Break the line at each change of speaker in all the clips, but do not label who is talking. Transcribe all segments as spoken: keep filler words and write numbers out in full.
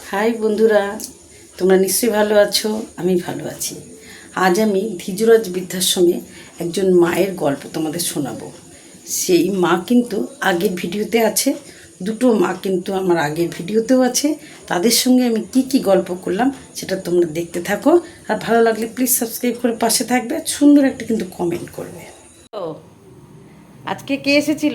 High বন্ধুরা, তোমরা নিশ্চয়ই ভালো আছো। আমি ভালো আছি। আজ আমি ধীজরাজ বৃদ্ধাশ্রমে একজন মায়ের গল্প তোমাদের শোনাবো। সেই মা কিন্তু আগের ভিডিওতে আছে, দুটো মা কিন্তু আমার আগের ভিডিওতেও আছে। তাদের সঙ্গে আমি কি কি গল্প করলাম সেটা তোমরা দেখতে থাকো। আর ভালো লাগলে প্লিজ সাবস্ক্রাইব করে পাশে থাকবে, সুন্দর একটা কিন্তু কমেন্ট করবে। ও আজকে কে এসেছিল?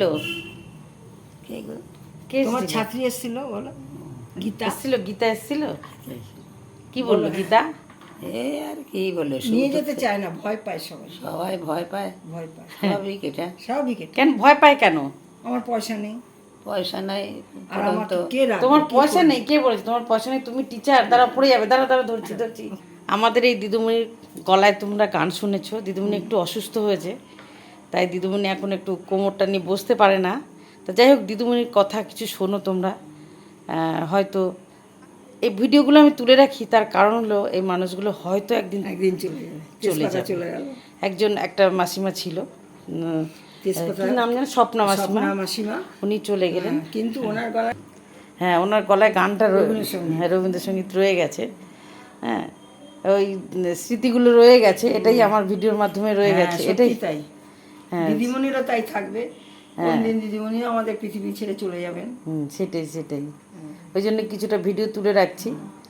কে
তোমার
এসেছিল?
ছাত্রী এসেছিল, বলো। গীতা
এসেছিল? গীতা এসেছিল? কি বললো গীতা?
এই আর কি বলে,
নিয়ে যেতে চায় না, ভয় পায় সবাই।
সবাই ভয় পায়,
ভয় পায়
স্বাভাবিক এটা।
স্বাভাবিক এটা।
কেন ভয় পায় কেন?
আমার পয়সা নেই,
পয়সা নাই
আর আমার
তো।
কে রাখবে?
তোমার
কে
পয়সা
করবে?
নেই? কে বলেছে তোমার পয়সা নেই? তুমি টিচার, দ্বারা পড়ে যাবে। দ্বারা দ্বারা ধরছি ধরছি আমাদের এই দিদিমণির গলায় তোমরা গান শুনেছো। দিদিমণি একটু অসুস্থ হয়েছে, তাই দিদিমণি এখন একটু কোমরটা নিয়ে বসতে পারে না। তা যাই হোক, দিদিমণির কথা কিছু শোনো তোমরা। হয়তো এই ভিডিওগুলো আমি তুলে রাখি, তার কারণ হলো এই মানুষগুলো হয়তো একদিন
একদিন চলে যাবে,
চলে
তেজপাতা
যাবে।
চলে গেল।
একজন একটা মাসিমা ছিল, উম,
তেজপাতা
কি নাম জানো, স্বপ্না মাসিমা।
স্বপ্না মাসিমা।
উনি চলে গেলেন,
হ্যাঁ, কিন্তু ওনার গলায়
হ্যাঁ ওনার গলায় গানটা রয়ে-
রবীন্দ্রসঙ্গীত।
হ্যাঁ রবীন্দ্রসঙ্গীত রয়ে গেছে। হ্যাঁ ওই স্মৃতিগুলো রয়ে গেছে, এটাই আমার ভিডিওর মাধ্যমে রয়ে
হ্যাঁ,
গেছে,
সত্যি
এটাই।
তাই।
হ্যাঁ
দিদিমণিরও তাই থাকবে, কোনদিন দিদিমণিও আমাদের পৃথিবী ছেড়ে চলে যাবেন।
হুম, সেটাই সেটাই ওই জন্য কিছুটা ভিডিও তুলে রাখছি।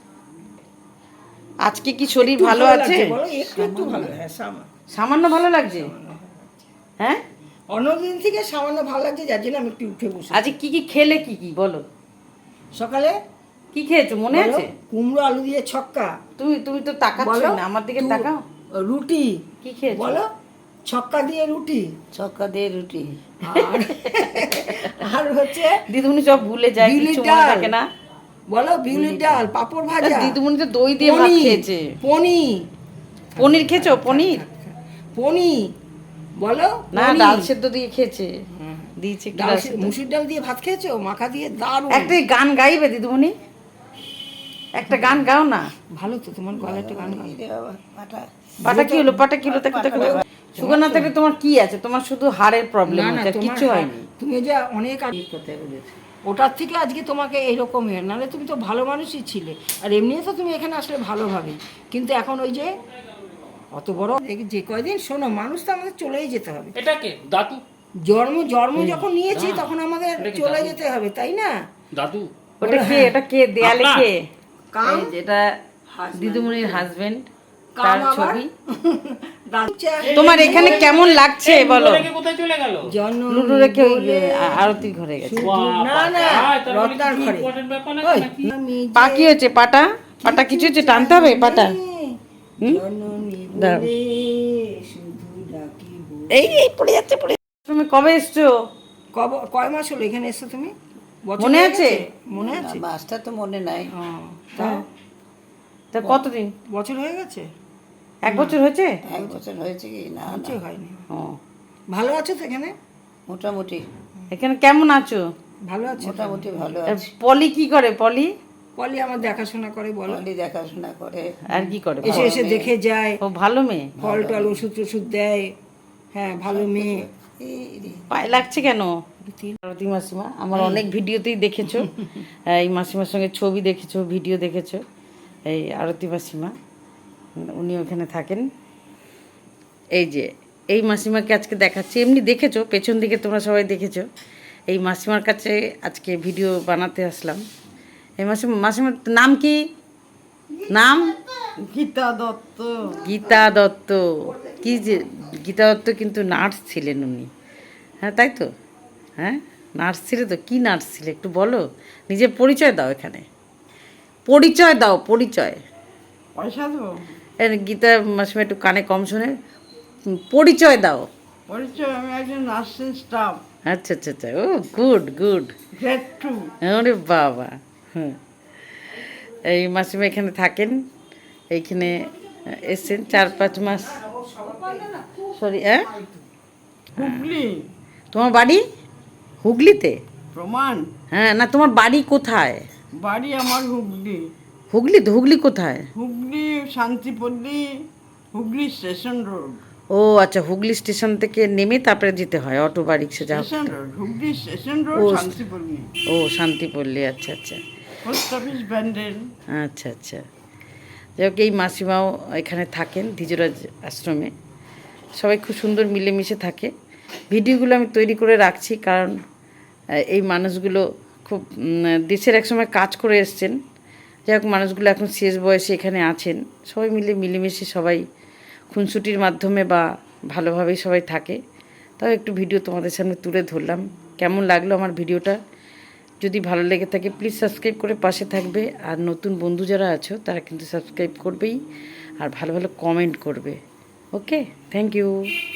আজকে কি শরীর
একটু
ভালো আছে?
লাগছে, বলো, একটু একটু ভালো। হ্যাঁ, সামান্য
সামান্য ভালো লাগছে। হ্যাঁ
অন্যদিন থেকে সামান্য ভালো লাগছে, যার জন্য আমি একটু উঠে বসে।
আজকে কি কি খেলে? কি কি বলো?
সকালে
কি খেয়েছো মনে
বলো,
আছে?
কুমড়ো আলু দিয়ে ছক্কা।
তুমি তুমি তো তাকাচ্ছ
বলো,
না, আমার দিকে
তু-
তাকাও।
রুটি।
কি খেয়েছো?
বলো, ছক্কা দিয়ে রুটি।
ছক্কা দিয়ে রুটি।
আর আর হচ্ছে
দিদিমণি সব ভুলে যায়,
বিউলির
কিছু মনে
ডাল।
থাকে না।
বলো, বিউলির ডাল, পাঁপড় ভাজা।
দিদিমণি তো দই দিয়ে ভাত
পনির,
খেয়েছে।
পনির
পনির খেয়েছো? পনির
পনির বলো,
না,
পনির।
ডাল সেদ্ধ দিয়ে খেয়েছে, দিয়েছে একটু
ডাল
ডাল
সে-
সেদ্ধ।
মুসুর ডাল দিয়ে ভাত খেয়েছো, মাখা দিয়ে, দারুণ।
একটা গান গাইবে দিদিমণি? একটা গান গাও না।
ভালো তো, তোমার গলায় একটা গান গাও।
রে বাবা, পাটা।
পাটা কি হলো? পাটা কি হলো? দেখো দেখো দেখো। সুগার না থাকলে তোমার কি আছে? তোমার শুধু হাড়ের প্রবলেম
না না,
হচ্ছে,
তোমার
কিছু
হা-
হয়নি।
তুমি যে অনেক আগে কোথায় বলেছো, ওটার থেকে আজকে তোমাকে এইরকম হয়ে, নাহলে তুমি তো ভালো মানুষই ছিলে। আর এমনিও তো তুমি এখানে আসলে ভালোভাবে, কিন্তু এখন ওই যে অত বড় এই যে কয়দিন, শোনো, মানুষ তো আমাদের চলেই যেতে হবে।
এটাকে দাদু
জন্ম জন্ম যখন নিয়েছি তখন আমাদের চলে যেতে হবে, তাই না?
দাদু
ওটা কে? এটা কে দেয়ালে
আপনার?
কে?
কাম।
এই যেটা দিদিমণির হাজবেন্ড,
কাম
তার
আবার?
ছবি।
দাদু চা-
তোমার এখানে কেমন লাগছে বলো?
রেখে কোথায় চলে গেল?
জন্ম
লুডু রেখে ওই
বলে
আ- আরতির ঘরে গেছে।
না না, রত্নার ঘরে।
ইম্পর্টেন্ট ব্যাপার না
ওই,
নাকি?
আমি
পা কি হয়েছে? পাটা পাটা কিছু হচ্ছে? টানতে হবে পাটা। হুম?
জননী
দাঁড়াও।
বলে শুধু ডাকিব।
এই এই পড়ে যাচ্ছে পড়ে যাচ্ছে। তুমি কবে এসছো?
কব- কয় মাস হলো এখানে এসছো তুমি? বছর
মনে
হয়ে
আছে?
গেছে? মনে আছে?
মাছটা তো মনে নাই।
ও, তাও
তা কতদিন?
বছর হয়ে গেছে?
এক বছর হয়েছে?
এক বছর হয়েছে কি না? না,
বছর হয়নি।
ও,
ভালো আছো তো এখানে?
মোটামুটি
এখানে কেমন আছো?
ভালো আছো?
মোটামুটি ভালো
আর
আছে।
পলি কি করে? পলি
পলি আমার দেখাশোনা করে, বলো।
পলি দেখাশোনা করে।
আর কি করে?
এসে এসে দেখে যায়,
ও ভালো মেয়ে।
ফল টল ওষুধ টষুধ দেয়। হ্যাঁ, ভালো মেয়ে।
এই রে,
পায়ে লাগছে কেন? আরতি মাসিমা আমার অনেক ভিডিওতেই দেখেছো, এই মাসিমার সঙ্গে ছবি দেখেছো, ভিডিও দেখেছো। এই আরতি মাসিমা, উনি ওখানে থাকেন। এই যে এই মাসিমাকে আজকে দেখাচ্ছি, এমনি দেখেছো পেছন দিকে, তোমরা সবাই দেখেছো। এই মাসিমার কাছে আজকে ভিডিও বানাতে আসলাম। এই মাসিমা, মাসিমার নাম কি? নাম
গীতা দত্ত।
গীতা দত্ত। কি যে গীতা দত্ত কিন্তু নার্স ছিলেন উনি। হ্যাঁ তাই তো? হ্যাঁ নার্স ছিলে তো? কি নার্স ছিলে একটু বলো, নিজের পরিচয় দাও, এখানে পরিচয় দাও, পরিচয়।
পয়সা দেবো?
এই গীতা মাসিমা একটু কানে কম শুনে, হুম, পরিচয় দাও।
পরিচয়, আমি একজন নার্সিং স্টাফ,
আচ্ছা আচ্ছা আচ্ছা, ও গুড গুড।
Grade two.
ওরে বাবা। হ্যাঁ এই মাসিমা এখানে থাকেন, এইখানে এসছেন চার পাঁচ মাস। সরি, হ্যাঁ
হুগলি।
তোমার বাড়ি হুগলিতে?
প্রমাণ?
হ্যাঁ, না তোমার বাড়ি কোথায়?
বাড়ি আমার হুগলি।
হুগলি তো? হুগলি কোথায়?
Hooghly Shantipalli, Hooghly station road.
ও আচ্ছা, হুগলি স্টেশন থেকে নেমে তারপরে যেতে হয় অটো বা রিক্সা, যা হোক।
Station road, Hooghly station road,
ও,
শান্তিপল্লী।
ও শান্তিপল্লী, আচ্ছা আচ্ছা। Post office Bandel. আচ্ছা আচ্ছা, যাই হোক এই মাসিমাও এখানে থাকেন দ্বিজরাজ আশ্রমে। সবাই খুব সুন্দর মিলেমিশে থাকে। ভিডিওগুলো আমি তৈরি করে রাখছি কারণ এই মানুষগুলো খুব দেশের একসময় কাজ করে এসছেন। যাই হোক মানুষগুলো এখন শেষ বয়সে এখানে আছেন। সবাই মিলে মিলেমিশে সবাই খুনসুটির মাধ্যমে বা ভালোভাবেই সবাই থাকে। তাও একটু ভিডিও তোমাদের সামনে তুলে ধরলাম। কেমন লাগলো আমার ভিডিওটা? যদি ভালো লেগে থাকে প্লিজ সাবস্ক্রাইব করে পাশে থাকবে। আর নতুন বন্ধু যারা আছো তারা কিন্তু সাবস্ক্রাইব করবেই আর ভালো ভালো কমেন্ট করবে। Okay, thank you.